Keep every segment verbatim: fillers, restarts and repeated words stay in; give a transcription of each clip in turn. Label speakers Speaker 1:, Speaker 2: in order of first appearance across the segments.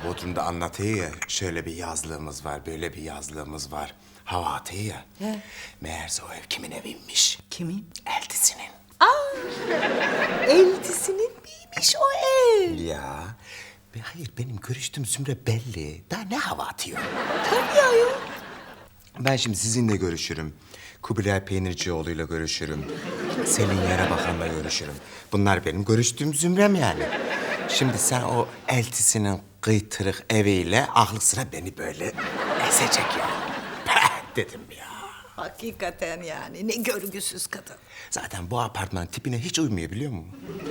Speaker 1: Bodrum'da anlatıyor ya, şöyle bir yazlığımız var, böyle bir yazlığımız var. Hava atıyor ya.
Speaker 2: He.
Speaker 1: Meğerse o ev kimin eviymiş?
Speaker 2: Kimin?
Speaker 1: Eltisinin.
Speaker 2: Eltisinin miymiş o ev?
Speaker 1: Ya. Ve hayır, benim görüştüğüm Zümre belli. Daha ne hava atıyor?
Speaker 2: Tabii ayol.
Speaker 1: Ben şimdi sizinle görüşürüm. Kubilay Peynircioğlu'yla görüşürüm. Selin Yarabakan'la görüşürüm. Bunlar benim görüştüğüm zümrem yani. Şimdi sen o eltisinin kıytırık eviyle aklı sıra beni böyle ezecek ya. Peh dedim ya.
Speaker 2: Hakikaten yani ne görgüsüz kadın.
Speaker 1: Zaten bu apartmanın tipine hiç uymuyor biliyor musun?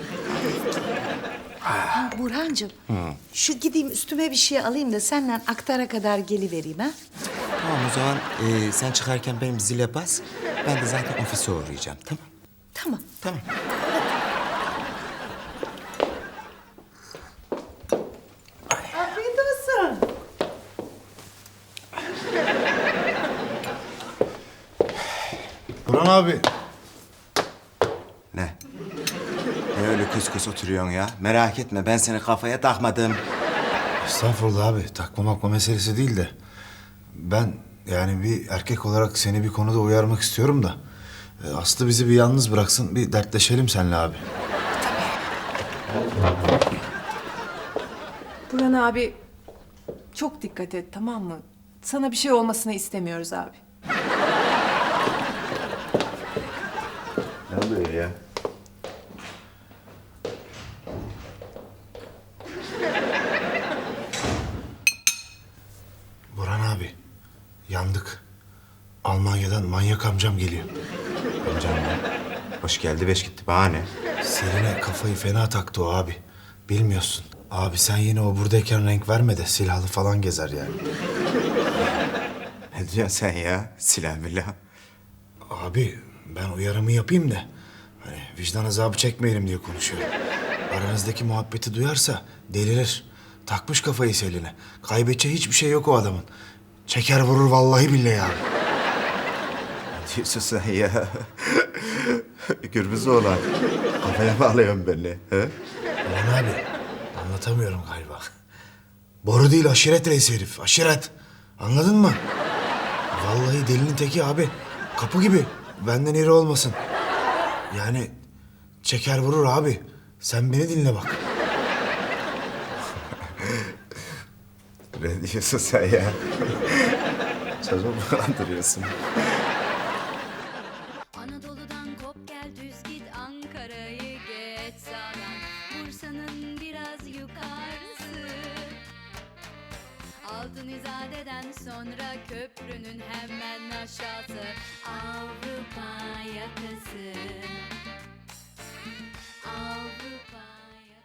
Speaker 2: Ha, Burhancığım, şu gideyim üstüme bir şey alayım da senden aktara kadar gelivereyim ha.
Speaker 1: Tamam o zaman e, sen çıkarken benim zile bas. Ben de zaten ofise uğrayacağım tamam.
Speaker 2: Tamam.
Speaker 1: Tamam.
Speaker 2: Afiyet olsun.
Speaker 3: Burhan abi.
Speaker 1: Ne? Ne öyle kıs kıs oturuyorsun ya? Merak etme ben seni kafaya takmadım.
Speaker 3: Estağfurullah abi. Takma makma meselesi değil de. Ben yani bir erkek olarak seni bir konuda uyarmak istiyorum da. e, Aslı bizi bir yalnız bıraksın. Bir dertleşelim seninle abi.
Speaker 4: Burhan abi çok dikkat et tamam mı? Sana bir şey olmasını istemiyoruz abi.
Speaker 1: Ne oluyor ya?
Speaker 3: Burhan abi. Yandık. Almanya'dan manyak amcam geliyor.
Speaker 1: Amcam ya. Hoş geldi beş gitti bahane.
Speaker 3: Selin'e kafayı fena taktı o abi. Bilmiyorsun. Abi sen yine o buradayken renk verme de silahlı falan gezer yani.
Speaker 1: Ne diyorsun sen ya? Silah milah.
Speaker 3: Abi ben uyarımı yapayım da hani vicdan azabı çekmeyelim diye konuşuyorum. Aranızdaki muhabbeti duyarsa delirir. Takmış kafayı Selin'e. Kaybedeceği hiçbir şey yok o adamın. Çeker vurur vallahi billahi abi.
Speaker 1: Ne diyorsun sen ya? Gürbüz oğlan. Kafaya bağlıyorsun beni. He?
Speaker 3: Ulan abi anlatamıyorum galiba. Boru değil aşiret reisi herif. Aşiret. Anladın mı? Vallahi delinin teki abi. Kapı gibi. Benden iri olmasın. Yani çeker vurur abi. Sen beni dinle bak.
Speaker 1: Ne diyorsun sen ya? Çocuğu mu kandırıyorsun?
Speaker 5: Anadolu'dan kop gel düz git Ankara'yı geç sağdan Bursa'nın biraz yukarısı Altın İzade'den sonra köprünün hemen aşağısı Avrupa yakası